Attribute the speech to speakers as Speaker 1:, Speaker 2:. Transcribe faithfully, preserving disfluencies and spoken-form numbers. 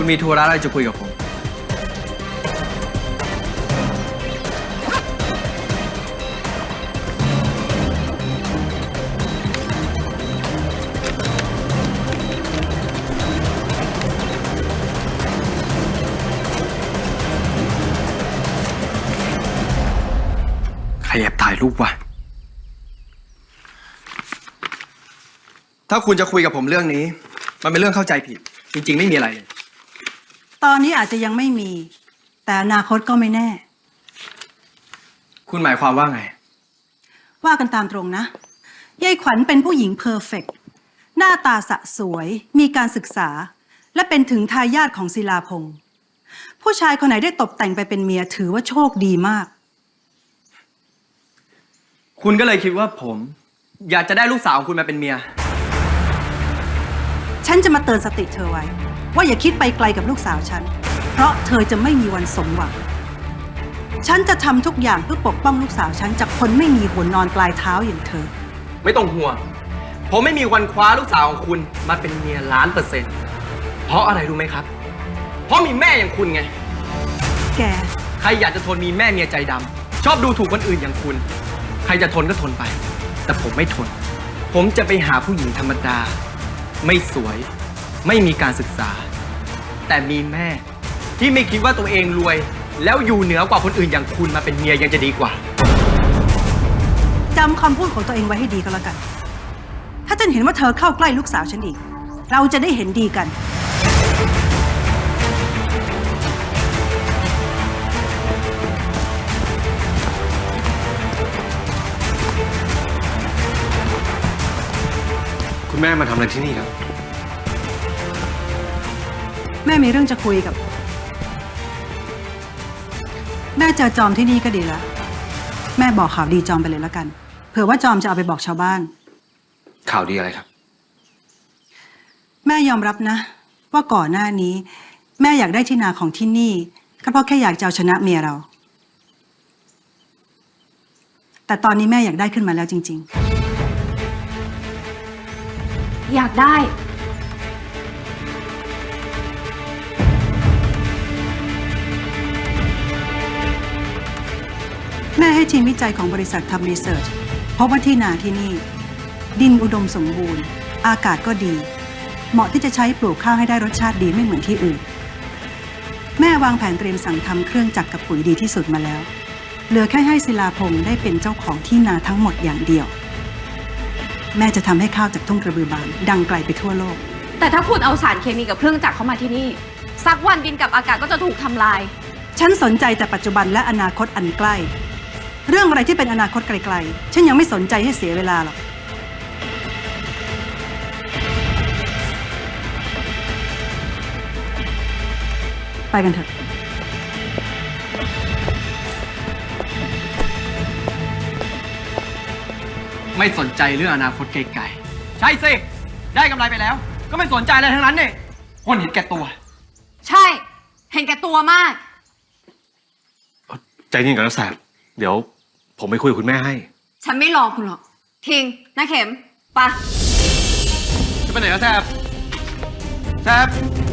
Speaker 1: คุณมีธุระอะไรจะคุยกับผมใครแอบถ่ายรูปวะถ้าคุณจะคุยกับผมเรื่องนี้มันเป็นเรื่องเข้าใจผิดจริงๆไม่มีอะไรเลย
Speaker 2: ตอนนี้อาจจะยังไม่มีแต่อนาคตก็ไม่แน่
Speaker 1: คุณหมายความว่าไง
Speaker 2: ว่ากันตามตรงนะยายขวัญเป็นผู้หญิงเพอร์เฟกต์หน้าตาสะสวยมีการศึกษาและเป็นถึงทายาทของศิลาพงษ์ผู้ชายคนไหนได้ตกแต่งไปเป็นเมียถือว่าโชคดีมาก
Speaker 1: คุณก็เลยคิดว่าผมอยากจะได้ลูกสาวของคุณมาเป็นเมีย
Speaker 2: ฉันจะมาเตือนสติเธอไว้ว่าอย่าคิดไปไกลกับลูกสาวฉันเพราะเธอจะไม่มีวันสมหวังฉันจะทำทุกอย่างเพื่อปกป้องลูกสาวฉันจากคนไม่มีหัวนอนปลายเท้าอย่างเธอ
Speaker 1: ไม่ต้องห่วงผมไม่มีวันคว้าลูกสาวของคุณมาเป็นเมียล้านเปอร์เซ็นต์เพราะอะไรรู้ไหมครับเพราะมีแม่อย่างคุณไง
Speaker 2: แก
Speaker 1: ใครอยากจะทนมีแม่เมียใจดำชอบดูถูกคนอื่นอย่างคุณใครจะทนก็ทนไปแต่ผมไม่ทนผมจะไปหาผู้หญิงธรรมดาไม่สวยไม่มีการศึกษาแต่มีแม่ที่ไม่คิดว่าตัวเองรวยแล้วอยู่เหนือกว่าคนอื่นอย่างคุณมาเป็นเมียยังจะดีกว่า
Speaker 2: จำคำพูดของตัวเองไว้ให้ดีก็แล้วกันถ้าฉันเห็นว่าเธอเข้าใกล้ลูกสาวฉันอีกเราจะได้เห็นดีกัน
Speaker 3: คุณแม่มาทำอะไรที่นี่ครับ
Speaker 2: แม่มีเรื่องจะคุยกับแม่เจอจอมที่นี่ก็ดีแล้วแม่บอกข่าวดีจอมไปเลยแล้วกันเผื่อว่าจอมจะเอาไปบอกชาวบ้าน
Speaker 3: ข่าวดีอะไรครับ
Speaker 2: แม่ยอมรับนะว่าก่อนหน้านี้แม่อยากได้ที่นาของที่นี่ก็เพราะแค่อยากจะเอาชนะเมียเราแต่ตอนนี้แม่อยากได้ขึ้นมาแล้วจริง
Speaker 4: ๆอยากได้
Speaker 2: แม่ให้ทีมวิจัยของบริษัททำรีเสิร์ชพบว่าที่นาที่นี่ดินอุดมสมบูรณ์อากาศก็ดีเหมาะที่จะใช้ปลูกข้าวให้ได้รสชาติดีไม่เหมือนที่อื่นแม่วางแผนเตรียมสั่งทำเครื่องจักรกับปุ๋ยดีที่สุดมาแล้วเหลือแค่ให้ศิลาพงษ์ได้เป็นเจ้าของที่นาทั้งหมดอย่างเดียวแม่จะทำให้ข้าวจากทุ่งกระบือบานดังไกลไปทั่วโลก
Speaker 4: แต่ถ้าคุณเอาสารเคมีกับเครื่องจักรเข้ามาที่นี่สักวันดินกับอากาศก็จะถูกทำลาย
Speaker 2: ฉันสนใจแต่ปัจจุบันและอนาคตอันใกล้เรื่องอะไรที่เป็นอนาคตไกลๆฉันยังไม่สนใจให้เสียเวลาหรอกไปกันเถอะ
Speaker 1: ไม่สนใจเรื่องอนาคตไกลๆใช่สิได้กำไรไปแล้วก็ไม่สนใจอะไรทั้งนั้นเนี่ยคนเห็นแก่ตัว
Speaker 4: ใช่เห็นแก่ตัวมาก
Speaker 3: ใจเย็นก่อนนะแสบเดี๋ยวผมไปคุยกับคุณแม่ให้
Speaker 4: ฉันไม่รอคุณหรอกทิงน้าเข็มไป
Speaker 1: จะไปไหนแล้วแสบแสบ